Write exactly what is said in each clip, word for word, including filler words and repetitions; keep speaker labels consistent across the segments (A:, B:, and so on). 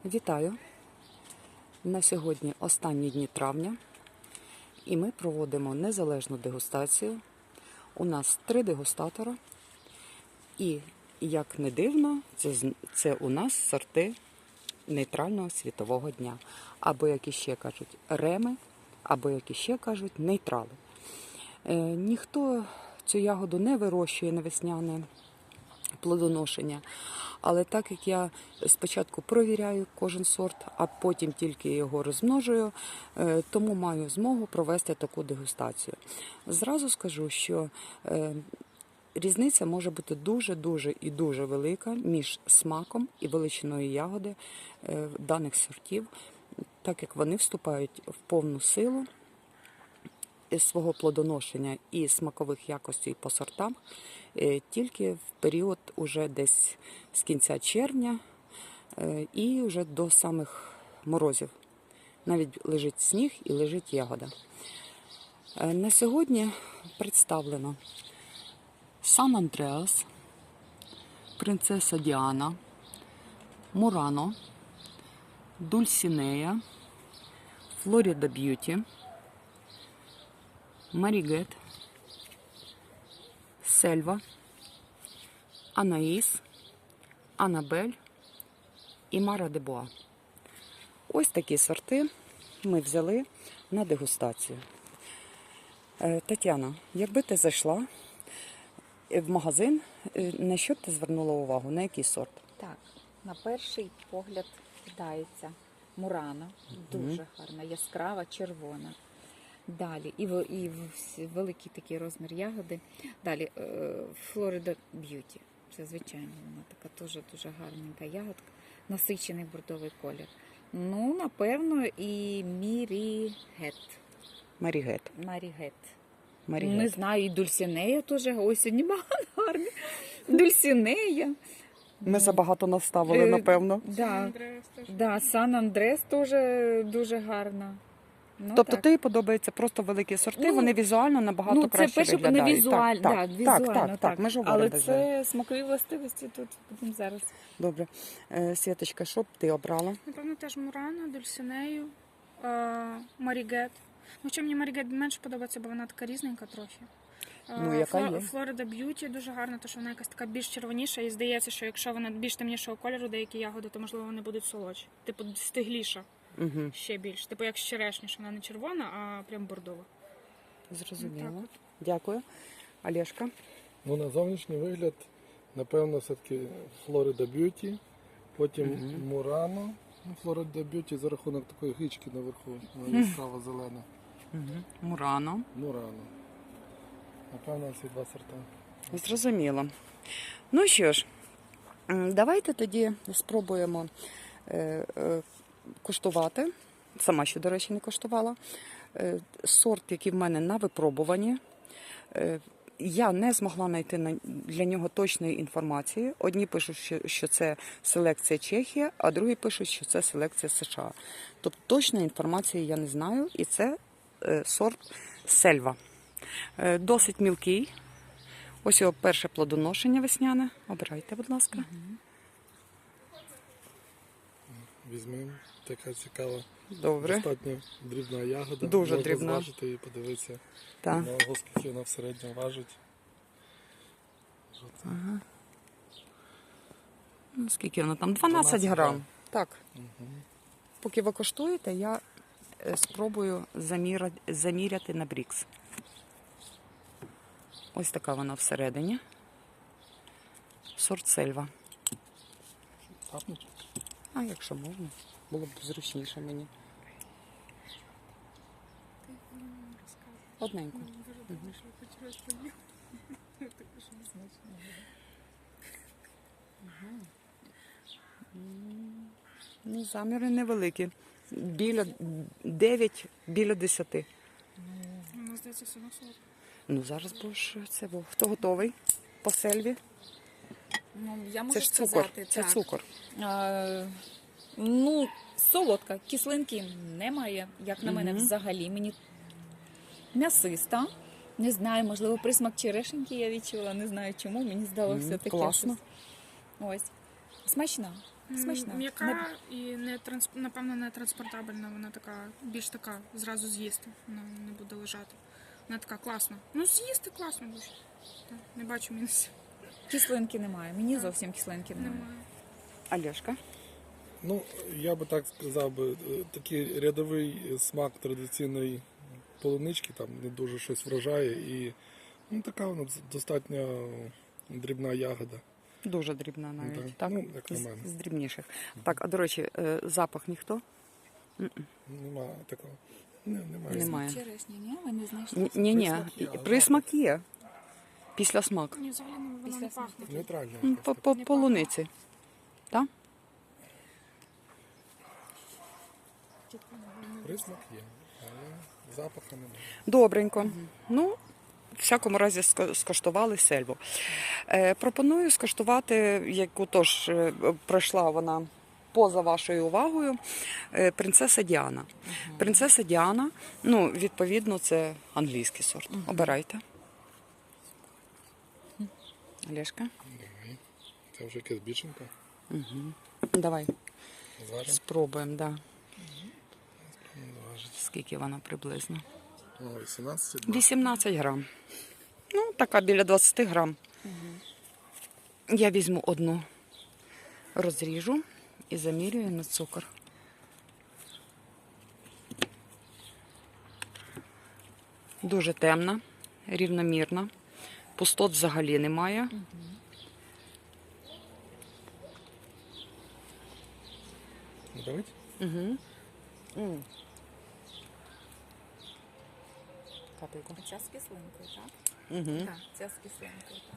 A: Вітаю! На сьогодні останні дні травня і ми проводимо незалежну дегустацію. У нас три дегустатора і, як не дивно, це, це у нас сорти нейтрального світового дня. Або, як іще кажуть, реми, або, як іще кажуть, нейтрали. Е, ніхто цю ягоду не вирощує на весняне плодоношення. Але так як я спочатку провіряю кожен сорт, а потім тільки його розмножую, тому маю змогу провести таку дегустацію. Зразу скажу, що різниця може бути дуже-дуже і дуже велика між смаком і величиною ягоди даних сортів, так як вони вступають в повну силу свого плодоношення і смакових якостей по сортам тільки в період уже десь з кінця червня і вже до самих морозів. Навіть лежить сніг і лежить ягода. На сьогодні представлено Сан Андреас, Принцеса Діана, Мурано, Дульсінея, Флорида Б'юті, Марігет, Сельва, Анаїс, Анабель і Мара де Боа. Ось такі сорти ми взяли на дегустацію. Тетяна, якби ти зайшла в магазин, на що б ти звернула увагу? На який сорт?
B: Так, на перший погляд кидається Мурано, дуже mm-hmm. гарна, яскрава, червона. Далі, і, в, і в, великий такий розмір ягоди. Далі, Флорида Б'юті. Це, звичайно, вона така дуже дуже гарненька ягодка. Насичений бордовий колір. Ну, напевно, і Мірігет.
A: Марігет.
B: Марігет.
A: Марігет.
B: Не знаю, і Дульсінея теж. Ось сьогодні багато гарні. Дульсінея.
A: Ми забагато наставили, напевно.
B: Так, да, да, Сан Андрес теж дуже гарна. Ну,
A: тобто
B: так.
A: тобі подобаються просто великі сорти, ну, вони візуально набагато
B: ну,
A: краще
B: перше,
A: виглядають.
B: Не візуаль,
A: так,
B: да,
A: так,
B: візуально,
A: так, так,
B: так,
A: так, ми ж говоримо.
B: Але це смакові властивості тут будемо зараз.
A: Добре. Е, Світочка, що б ти обрала?
C: Напевно, теж Мурано, Дульсінею, е, Марігет. Ну, що мені Марігет менше подобається, бо вона така різненька трохи.
A: Ну, яка є?
C: Флорида Б'юті дуже гарна, тому що вона якась така більш червоніша. І здається, що якщо вона більш темнішого кольору, деякі ягоди, то, можливо, вони будуть солодші. Типу, стигліша.
A: Угу.
C: Ще більш. Типу, як черешня, вона не червона, а прям бордова.
A: Зрозуміло. Дякую. Олешка?
D: Ну, на зовнішній вигляд, напевно, все-таки Флорида Б'юті, потім угу. Мурано. Ну, Флорида Б'юті за рахунок такої гички наверху, вона яскрава зелена.
A: Угу. Мурано.
D: Мурано. Напевно, ці два сорта.
A: Зрозуміло. Ну що ж, давайте тоді спробуємо е, е, куштувати. Сама ще, до речі, не коштувала. Е, сорт, який в мене на випробуванні. Е, я не змогла знайти для нього точної інформації. Одні пишуть, що, що це селекція Чехія, а другі пишуть, що це селекція США. Тобто точної інформації я не знаю. І це е, сорт Сельва. Досить мілкий. Ось його перше плодоношення весняне. Обирайте, будь ласка. Угу.
D: Візьмемо. Така цікава.
A: Добре.
D: Достатньо дрібна ягода.
A: Дуже
D: можна
A: дрібна.
D: зважити і подивитися,
A: так.
D: на вагу, скільки вона в середньому важить.
A: Ага. Ну, скільки вона там? дванадцять грам. Так.
D: Угу.
A: Поки ви коштуєте, я спробую заміряти, заміряти на брікс. Ось така вона всередині. Сорт Сельва. А якщо можна, було б зручніше мені. Одненько. Ну, заміри невеликі. Біля дев'ять, біля десяти.
C: Мені здається, все на солодко.
A: Ну, зараз будеш це, бо хто готовий по Сельві?
B: Ну, я можу
A: це ж цукор,
B: сказати,
A: це
B: так.
A: цукор.
B: А, ну, солодка, кислинки немає, як на мене,
A: Угу.
B: взагалі. Мені м'ясиста. Не знаю, можливо, присмак черешеньки я відчула, не знаю чому, мені здалося
A: Угу.
B: таке.
A: Класно.
B: Щось. Ось. Смачна.
C: М,
B: Смачна.
C: М'яка
B: Не-
C: і не транс... напевно не транспортабельна. Вона така, більш така, зразу з'їсти. Вона не буде лежати. Вона така класна. Ну, з'їсти класно дуже. Так, не бачу мінусів.
B: Кислинки немає. Мені зовсім кислинки немає.
C: Немає.
A: Олешка?
D: Ну, я би так сказав би, е, такий рядовий смак традиційної полунички, там не дуже щось вражає і ну, така вона достатньо дрібна ягода.
A: Дуже дрібна навіть.
D: Так.
A: Так?
D: Ну, як на
A: З,
D: мене.
A: з дрібніших. Так, а до речі, е, запах ніхто?
D: Нема такого. Не, немає.
A: Немає.
B: Черешня, ні? Ви не знайшли?
A: Ні, ні,
D: Присмак є, а
A: присмак є. Після смак.
C: Ні, взагалі вона
B: Після
C: не
B: смаку.
C: пахне.
D: Нейтральна.
A: М,
D: якась
A: По,
D: така.
A: по полуниці. Так?
D: Присмак є, але запаху немає.
A: Добренько. Ну, в всякому разі ска- скаштували сельву. Е, пропоную скаштувати, яку тож е, пройшла вона поза вашою увагою, е, принцеса Діана. Принцеса Діана, ну, відповідно, це англійський сорт. Обирайте. Олешка,
D: Давай. Це вже якась біченка.
A: давай
D: Зважимо.
A: спробуємо, да.
D: Зважить.
A: Скільки вона приблизно?
D: О, вісімнадцять.
A: вісімнадцять грам. Ну, така біля двадцять грам. Я візьму одну, розріжу і замірюю на цукор. Дуже темна, рівномірна. Пустот взагалі немає.
D: Давить?
A: Угу. Капельку.
B: Ця з кислинкою, так?
A: Угу.
B: Так, ця з кислинкою, так.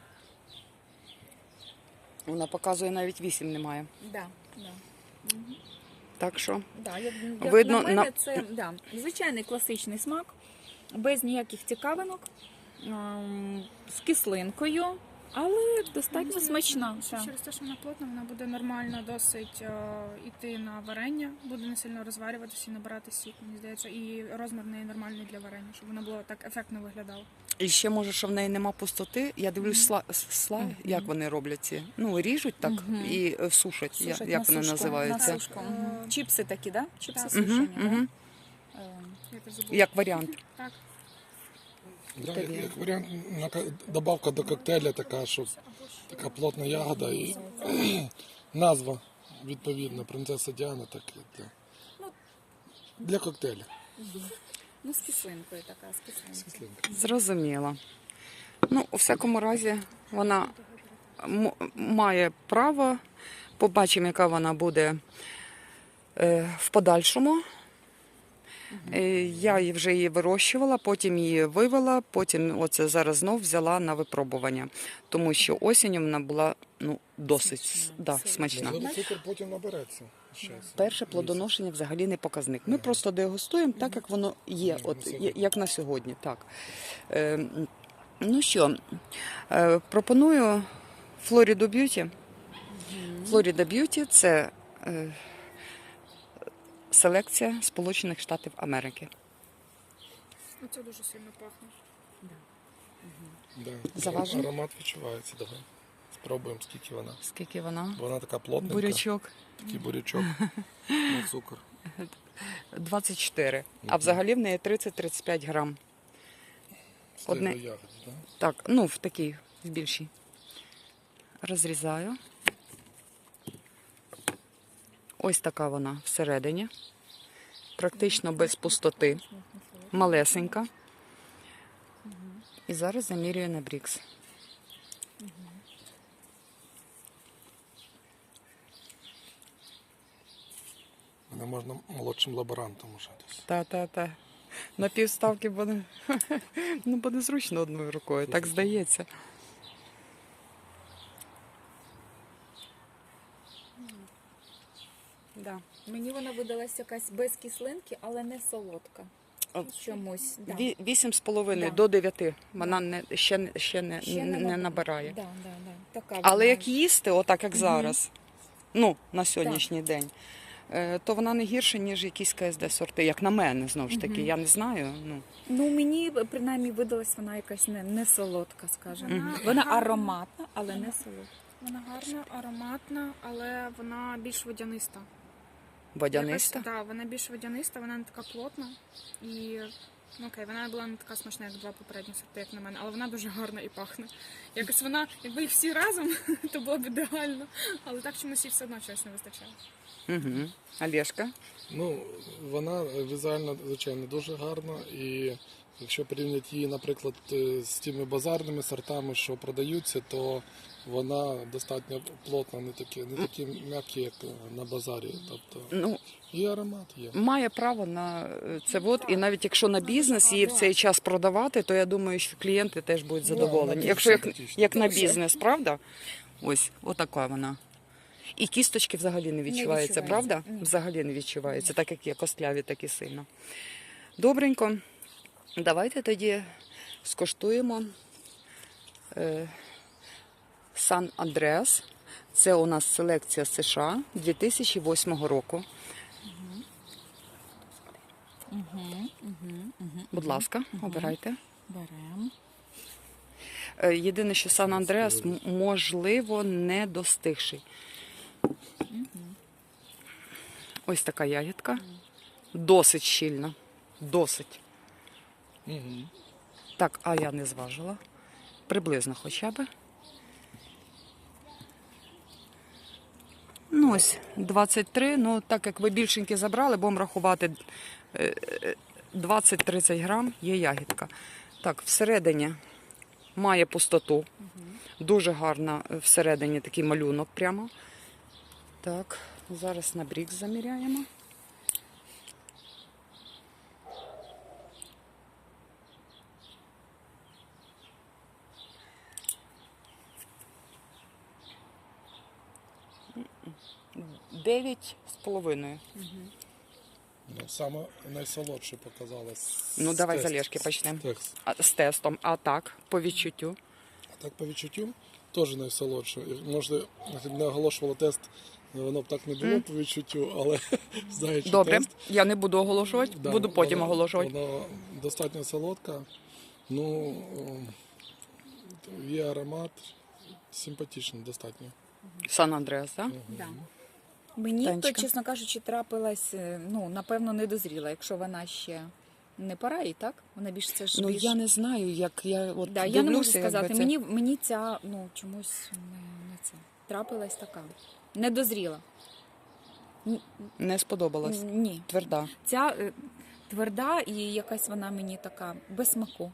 A: Вона показує, навіть вісім немає.
B: Да, да.
A: Так що
B: Да, як, як
A: Видно,
B: на мене,
A: на-
B: це да, звичайний класичний смак, без ніяких цікавинок, ем, з кислинкою, але достатньо смачна. так.
C: Через те, що вона плотна, вона буде нормально досить е, йти на варення, буде не сильно розварюватися і набирати сік, мені здається. І розмір в неї нормальний для варення, щоб воно було так ефектно виглядало.
A: І ще може, що в неї нема пустоти. Я дивлюсь, сла, сла як вони роблять ці. Ну, ріжуть так і е, сушать, я-
B: Сушать
A: як
B: на
A: вони
B: сушку,
A: називаються.
B: на сушку. Мгм. Чіпси такі, да? Чіпси
C: Так.
B: сушені,
A: Мгм,
B: да?
A: мгм.
B: Ем,
C: Я це забула.
A: Як варіант.
C: Так.
D: Да, як, як варіант, на ка- добавка до коктейля така, щоб така плотна ягода і назва відповідна принцеса Діана, так і для, для коктейля.
B: Ну, з кислинкою така, з кислинкою.
D: Кислинка.
A: Зрозуміло. Ну, у всякому разі, вона м- має право. Побачимо, яка вона буде е, в подальшому. Е, Я її вже її вирощувала, потім її вивела, потім оце зараз знов взяла на випробування. Тому що осінню вона була ну, досить
B: Смачна,
A: да,
B: сильно.
A: смачна.
D: Можливо, цукор потім набереться. з часом.
A: Перше плодоношення взагалі не показник. Ми просто дегустуємо так, як воно є, от, я- як на сьогодні. Так. Е, ну що, е, пропоную Флориду Б'юті. Флорида Б'юті – це е, селекція Сполучених Штатів Америки.
C: Ну, це дуже сильно пахне.
D: Да.
A: Заважимо?
D: Аромат відчувається. Давай. Спробуємо, скільки вона.
A: Скільки вона?
D: Вона така плотненька.
A: Бурячок
D: Такий бурячок на цукор.
A: двадцять чотири, а взагалі в неї тридцять-тридцять п'ять грам. Одне-
D: Одне... ягоди, да?
A: Так, ну в такій, в більшій. Розрізаю. Ось така вона всередині. Практично без пустоти. Малесенька. І зараз замірюю на брікс.
D: Мене можна молодшим лаборантом уже десь.
A: Та-та-та. На півставки буде, ну, буде зручно одною рукою, так здається. Да.
B: Мені вона видалась якась без кислинки, але не солодка. Чомусь. Да.
A: Ві- Вісім з половиною
B: Да.
A: до дев'яти. Вона не, ще, не- ще, не,
B: Ще
A: не,
B: наб-
A: набирає.
B: Да, да, да. Така
A: Але
B: вона.
A: як їсти, отак як зараз, ну, на сьогоднішній день, е, то вона не гірша, ніж якісь КСД сорти, як на мене, знову ж таки. Я не знаю. Ну.
B: Ну, мені принаймні видалась вона якась не, не солодка, скажімо.
C: Мгм.
B: Вона ароматна, але не солодка.
C: Вона гарна, ароматна, але вона більш водяниста.
A: Водяниста?
C: Так, да, вона більш водяниста, вона не така плотна. І ну, окей, вона була не така смачна, як два попередні сорти, як на мене, але вона дуже гарна і пахне. Якось вона, якби їх всі разом, то було б ідеально. Але так чомусь їй все одно чогось не вистачає.
A: Угу. Олешка?
D: Ну, вона візуально, звичайно, дуже гарна. І якщо порівняти її, наприклад, з тими базарними сортами, що продаються, то вона достатньо плотна, не такі, не такі м'які, як на базарі. Тобто
A: Ну,
D: і аромат є.
A: має право на це. От, і навіть якщо на бізнес її в цей час продавати, то я думаю, що клієнти теж будуть задоволені.
D: вона
A: Якщо як,
D: симпатична.
A: як на бізнес, правда? Ось, отака вона. І кісточки взагалі не відчуваються,
B: відчувається.
A: правда? Взагалі не відчуваються, так як є костляві, так і сильно. Добренько. Давайте тоді скоштуємо е, Сан Андреас. Це у нас селекція США дві тисячі восьмого року. Будь ласка, обирайте.
B: Беремо.
A: Е, Єдине, що Сан Андреас, м- можливо, не достигший. Ось така ягідка. Досить щільна. Досить.
D: Угу.
A: Так, а я не зважила. Приблизно хоча б. Ну ось, двадцять три. Ну, так як ви більшенькі забрали, будемо рахувати е, е, двадцять-тридцять грам є ягідка. Так, всередині має пустоту. Дуже гарна всередині такий малюнок прямо. Так, зараз на брікс заміряємо. Дев'ять з половиною.
D: Ну, саме найсолодше показала. з-
A: Ну,
D: з
A: давай з
D: тест-
A: Олешки почнемо.
D: з текст.
A: А, з тестом. А так, по відчуттю.
D: А так по відчуттю теж найсолодше. І, може, якщо б не оголошувала тест, воно б так не було по відчуттю, але знаючи
A: Добре,
D: тест,
A: я не буду оголошувати,
D: да,
A: буду потім
D: воно-
A: оголошувати.
D: Воно достатньо солодка. Ну, о, є аромат, симпатичний достатньо.
A: Сан Андреас, так?
B: Да. Мені, то,
A: Танечка?
B: чесно кажучи, трапилась, е, ну, напевно, не дозріла, якщо вона ще не пора і так? Вона більш це ж
A: Ну,
B: більш...
A: я не знаю, як я от
B: Да, я не можу
A: дивлюся, якби
B: сказати.
A: це-
B: Мені, мені ця, ну, чомусь не, не це. Трапилась така. Не дозріла. Н-
A: не сподобалась.
B: Ні.
A: Тверда.
B: Ця е, тверда і якась вона мені така без смаку.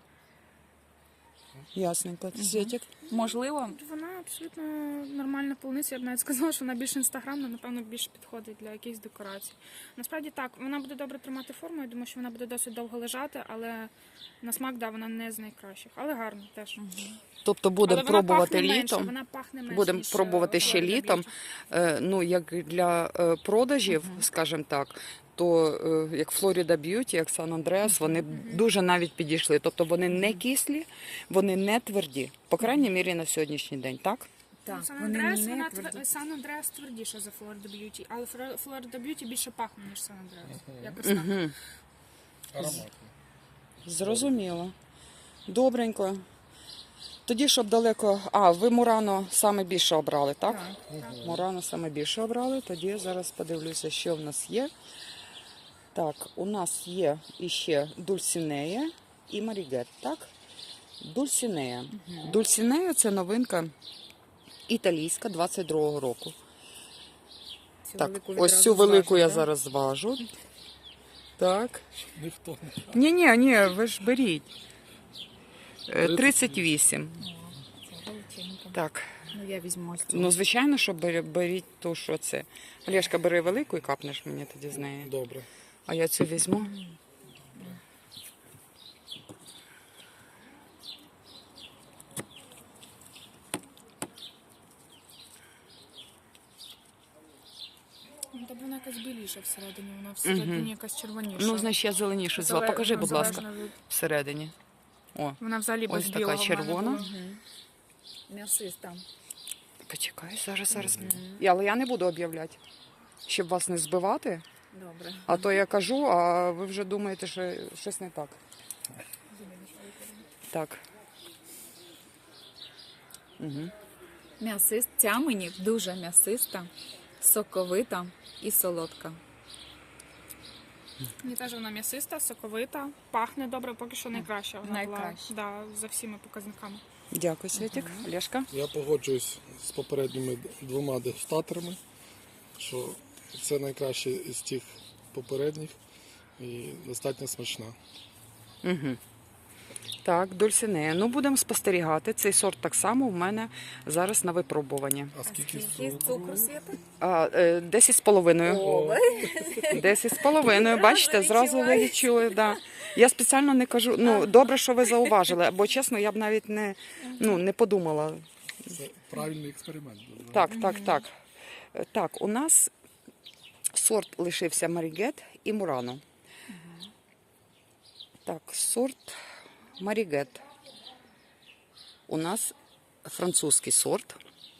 A: Ясненько. Світик.
B: Можливо,
C: Вона абсолютно нормальна полуниця. Я б навіть сказала, що вона більш інстаграмна, напевно, більше підходить для якихось декорацій. Насправді так, вона буде добре тримати форму, я думаю, що вона буде досить довго лежати, але на смак, да, вона не з найкращих. Але гарно теж.
A: Тобто будемо
C: Але вона
A: пробувати
C: пахне менше,
A: літом.
C: вона пахне менше,
A: Будемо
C: ніж,
A: пробувати
C: е,
A: ще
C: Florida
A: літом.
C: Beauty.
A: Е, Ну, як для е, продажів, скажімо так, то е, як Florida Beauty, як Сан Андреас, вони дуже навіть підійшли. Тобто вони не кислі, вони не тверді. По крайній мірі на сьогоднішній день, так?
B: так,
C: Сан
B: вони
C: Андреас,
B: не
C: вона
B: тверді.
C: твер- Сан Андреас твердіша за Florida Beauty, але Флор- Florida Beauty більше пахне, ніж Сан Андреас. Якось так.
A: Угу.
D: Ароматно.
A: Зрозуміло. Добренько. Тоді, щоб далеко. А, ви Мурано саме більше обрали, так?
C: Так.
A: Мурано саме більше обрали. Тоді я зараз подивлюся, що в нас є. Так, у нас є іще Дульсінея і Марігет, так? Дульсінея. Дульсінея – це новинка італійська двадцять другого року.
B: Цю
A: Так,
B: велику
A: ось
B: відразу
A: цю велику
B: зважу,
A: я
B: да?
A: зараз зважу. Так.
D: Ніхто не
A: Ні-ні, ні, ви ж беріть. Е, тридцять вісім.
B: Це величенька.
A: Так.
B: Ну, я візьму ось цю.
A: Ну, звичайно, що бері- беріть ту, що це. Олешка, бери велику і капнеш мені тоді з неї.
D: добре.
A: А я цю візьму.
C: Ну, тобто вона якась біліша всередині, вона всередині якась червоніша.
A: Ну, значить, я зеленішу взяла.
C: Зале-
A: Покажи,
C: ну,
A: будь ласка,
C: залежно від-
A: всередині. О,
C: Вона взагалі без
A: ось така
C: білого в мене
A: червона.
C: була.
B: М'ясиста.
A: Почекай, зараз, зараз. Я- Але я не буду об'являти, щоб вас не збивати.
B: Добре.
A: А то я кажу, а ви вже думаєте, що щось не так. Так. Угу.
B: М'ясист. Ця мені дуже м'ясиста, соковита і солодка.
C: Мені теж вона м'ясиста, соковита, пахне добре, поки що найкраща. Вона
B: Найкраща.
C: була да, за всіми показниками.
A: Дякую, Світік. Олешка?
D: Я погоджуюсь з попередніми двома дегустаторами, що це найкраще із тих попередніх і достатньо смачна.
A: Угу. Так, Дульсинея. Ну, будемо спостерігати. Цей сорт так само у мене зараз на випробуванні.
D: А скільки
B: Скільки
D: цукру?
B: цукру світи?
A: А, е, десять з половиною.
B: О,
A: Десять з половиною. Бачите, зразу ви
B: відчуваєте.
A: відчули. Да. Я спеціально не кажу. Ну, добре, що ви зауважили, бо чесно, я б навіть не, ну, не подумала.
D: Це правильний експеримент. був, да?
A: Так, так, так. Е, Так, у нас сорт лишився Марігет і Мурано. Так, сорт Марігет. У нас французький сорт.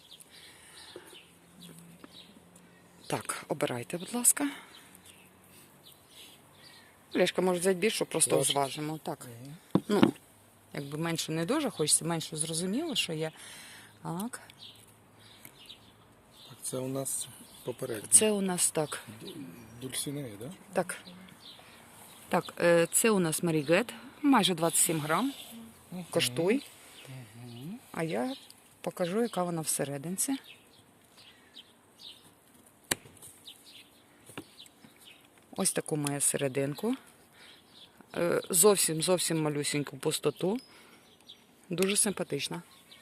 A: Так, обирайте, будь ласка. Лешка, може взяти більшу, просто
D: Важко.
A: зважимо. Так. Ну, якби менше не дуже, хочеться менше зрозуміло, що є. Так.
D: Так, це у нас попередній.
A: Це у нас так.
D: Дульсинея, да?
A: Так. Так, е, це у нас Марігет, майже двадцять сім грам. Коштуй. А я покажу, яка вона всерединці. Ось таку має серединку. Е, Зовсім, зовсім малюсеньку пустоту. Дуже симпатична.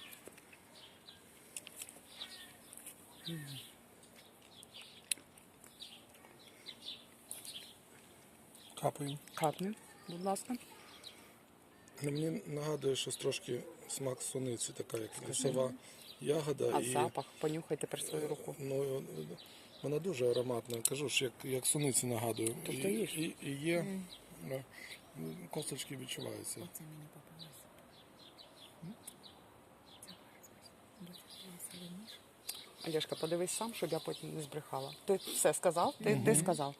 D: Капаємо.
A: Капни, будь ласка.
D: Ну, мені нагадує, що трошки смак суниці, така як лісова ягода.
A: А
D: і,
A: запах, понюхайте про свою руку.
D: ну, вона дуже ароматна. Кажу ж, як, як суниці нагадую.
A: Тобто
D: і,
A: їж.
D: і, і є е, косточки відчуваються.
B: Це мені попалося.
A: Олешка, подивись сам, щоб я потім не збрехала. Ти все сказав? Ти, ти сказав.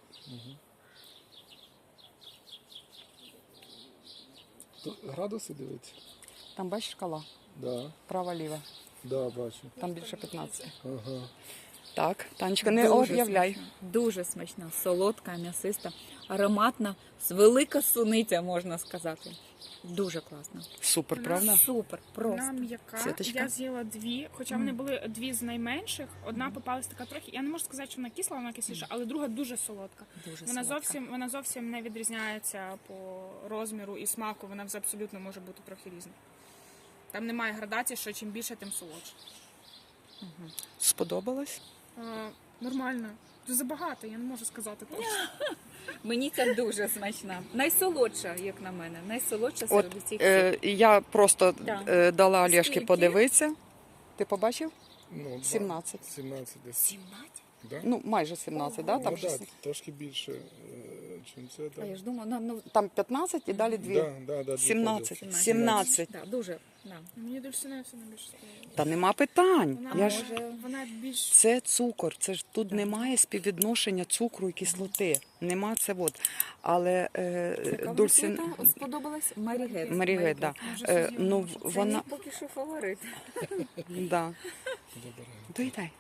D: Тут градуси дивиться?
A: Там бачиш шкала?
D: Да,
A: Права-ліва.
D: да, бачу.
A: Там більше п'ятнадцять.
D: Ага.
A: Так, Танечка, не
B: Дуже
A: об'являй.
B: смачна. Дуже смачна, солодка, м'ясиста, ароматна, з велика суниця, можна сказати. Дуже класно.
A: Супер, правда?
B: Супер,
C: Вона
B: просто.
C: м'яка.
A: Світочка?
C: Я з'їла дві, хоча вони були дві з найменших. Одна попалась така трохи. Я не можу сказати, що вона кисла, вона кисліша, але друга дуже солодка.
B: Дуже
C: Вона
B: солодка.
C: зовсім, вона зовсім не відрізняється по розміру і смаку. Вона вже абсолютно може бути трохи різна. Там немає градації, що чим більше, тим солодше.
A: Сподобалось?
C: Е, нормально. Дуже забагато, я не можу сказати точно.
B: Мені ця дуже смачна. Найсолодша, як на мене. Найсолодша
A: От
B: серед усіх.
A: е, я просто
B: Да.
A: е, дала Олешки
B: Скільки?
A: подивитися. Ти побачив?
D: Ну, два-
A: сімнадцять.
D: сімнадцять десь.
B: сімнадцять?
D: Да?
A: Ну, майже сімнадцять, да? Там,
D: ну, да,
A: щось-
D: трошки більше, ніж це.
B: А
D: Да.
B: я ж думала, ну, ну
A: там п'ятнадцять і далі дві.
D: Да, да, да, дві
A: сімнадцять.
D: поділки.
A: сімнадцять.
B: Да, дуже. Да.
C: Мені дульсинея все найбільше сподобалося.
A: Та нема питань.
C: Вона,
A: Я ж...
B: може-
C: вона більш
A: Це цукор, це ж тут немає співвідношення цукру і кислоти. Нема це от. Але е,
B: Яка
A: Дульсин...
B: вона світа сподобалась? Марігет.
A: Марігет, да.
C: Вже
A: Е,
C: з'їла,
A: ну,
C: може.
B: Це
A: вона...
B: мій поки що фаворит.
A: Да.
D: Добре.
A: Доїдай.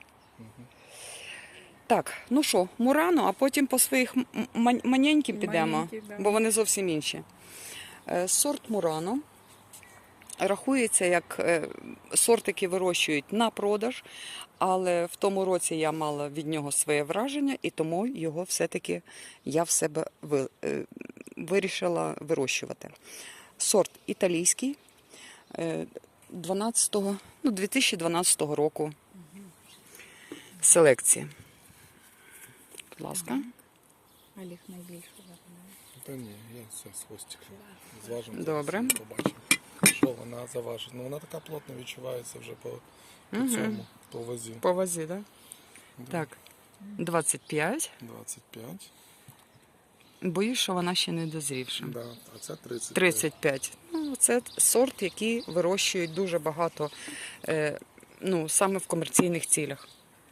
A: Так, ну що, Мурано, а потім по своїх м- м- маненьким підемо,
B: Маленькі, да.
A: бо вони зовсім інші. Е, Сорт Мурано рахується як е, сорт, який вирощують на продаж, але в тому році я мала від нього своє враження, і тому його все-таки я в себе ви- е, вирішила вирощувати. Сорт італійський, е, дванадцятого, ну, дві тисячі дванадцятого року селекції. Будь ласка.
B: Олег найбільше запам'ятав.
D: Та ні, я все з хвостиком. Зважимо.
A: Добре.
D: зараз і побачимо, що вона заважить. Ну, вона така плотно відчувається вже по, по цьому, по вазі.
A: По вазі, так?
D: Да.
A: Так. двадцять п'ять.
D: двадцять п'ять.
A: Боюсь, що вона ще не дозрівша.
D: Да, а це тридцять.
A: тридцять п'ять. Ну, це сорт, який вирощують дуже багато, е, ну, саме в комерційних цілях.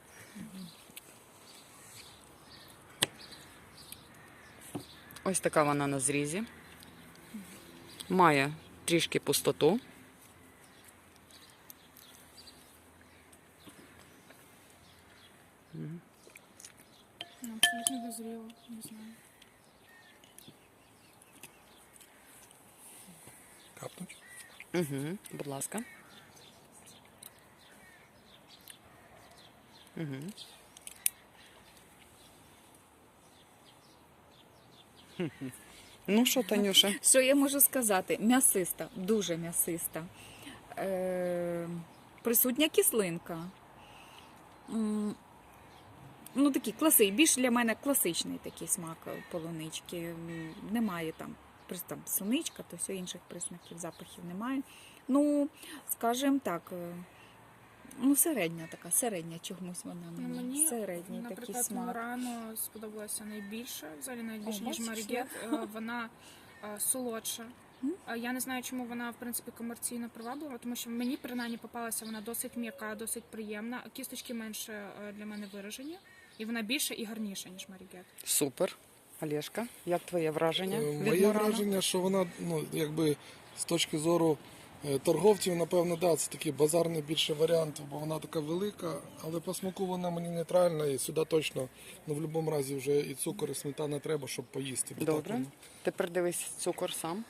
A: Ось така вона на зрізі. Має трішки пустоту.
C: можливо, не знаю.
D: Капнуть.
A: Угу, будь ласка. Угу. Ну що, Танюша?
B: Що я можу сказати? М'ясиста, дуже м'ясиста. Е, присутня кислинка. М, Ну, такий класичний, більш для мене класичний такий смак полунички. М, Немає там, прис- там суничка, то все інших признаків, запахів немає. Ну, скажімо так, е, ну, середня така, середня чомусь вона
C: Ну,
B: мені.
C: мені,
B: Середній такий
C: наприклад,
B: смак.
C: Мурано сподобалася найбільше, взагалі навіть більше,
B: О,
C: ніж
B: бачиш,
C: Марігет. Е, Вона е, солодша. Е, Я не знаю, чому вона, в принципі, комерційно приваблива, тому що мені, принаймні, попалася вона досить м'яка, досить приємна. Кісточки менше е, для мене виражені. І вона більше і гарніша, ніж Марігет.
A: Супер. Олешка, як твоє враження
D: Е,
A: від
D: Моє
A: Мурано?
D: враження, що вона, ну, якби з точки зору е, торговців, напевно, да, це такий базарний більше варіант, бо вона така велика, але по смаку вона мені нейтральна, і сюди точно, ну, в будь-якому разі вже і цукор, і сметана треба, щоб поїсти. Бо так
A: Добре.
D: воно.
A: Тепер дивись цукор сам.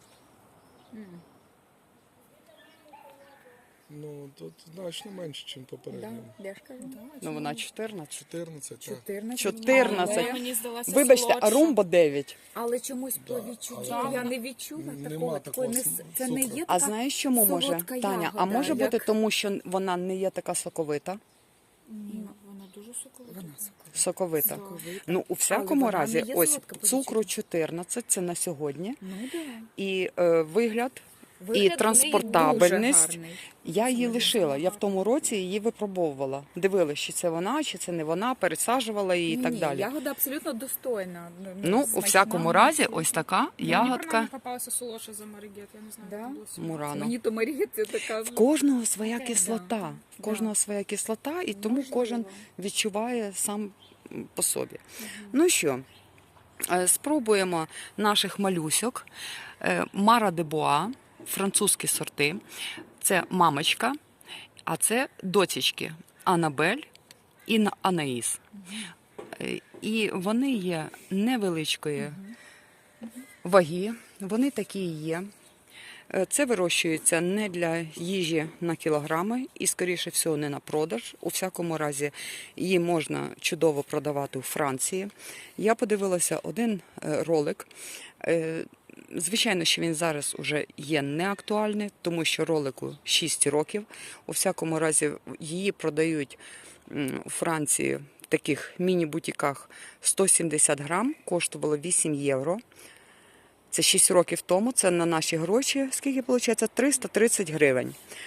D: Ну, тут значно менше, ніж попередньо.
B: Да, я ж кажу.
A: Ну, вона чотирнадцять.
D: чотирнадцять, так.
B: чотирнадцять.
A: чотирнадцять.
C: Але мені здалася
A: Вибачте, а
C: солодша.
A: Румба дев'ять.
B: Але чомусь по відчуттю
C: але-
B: я не відчула
D: Нема
B: такого.
D: такого
B: такої не,
D: см-
B: це не
D: цукру.
B: є
A: А
B: така
A: знаєш, чому може?
B: солодка
A: Таня, а
B: ягода,
A: може
B: як-
A: бути тому, що вона не є така соковита?
C: Ні, вона дуже соковита.
B: Вона соковита.
A: Соковита.
B: Соковита.
A: Ну, у всякому
B: вона
A: разі,
B: не є
A: ось
B: солодка по
A: цукру
B: відчуттю.
A: чотирнадцять, це на сьогодні.
B: Ну, да.
A: І е, вигляд,
B: Вигляд в неї
A: транспортабельність.
B: дуже гарний.
A: я її лишила. Я в тому році її випробовувала. Дивилась, чи це вона, чи це не вона, пересаджувала її і так
B: Ні,
A: далі.
B: Ягода абсолютно достойна.
A: Ну, у
B: смачна.
A: всякому разі, ось така
C: Ну, Мені
A: ягодка
C: принаймні попалася солодша за Марігет, я не знаю,
B: Да?
C: як було сьогодні.
A: Мурано.
B: Мені то Марія це така.
A: В кожного своя
B: Таке,
A: кислота.
B: да.
A: В кожного своя кислота, і тому
B: Можливо.
A: кожен відчуває сам м, по собі. Ну що, е, спробуємо наших малюсьок. Е, Мара де Боа, французькі сорти. Це мамочка, а це доцічки Анабель і На- Анаїс. Е, І вони є невеличкої ваги, вони такі і є. Е, Це вирощується не для їжі на кілограми і, скоріше всього, не на продаж. У всякому разі, її можна чудово продавати у Франції. Я подивилася один е, ролик. Е, Звичайно, що він зараз уже є неактуальний, тому що ролику шість років. У всякому разі, її продають м, у Франції в таких міні-бутіках сто сімдесят грам, коштувало вісім євро. Це шість років тому, це на наші гроші, скільки виходить? триста тридцять гривень.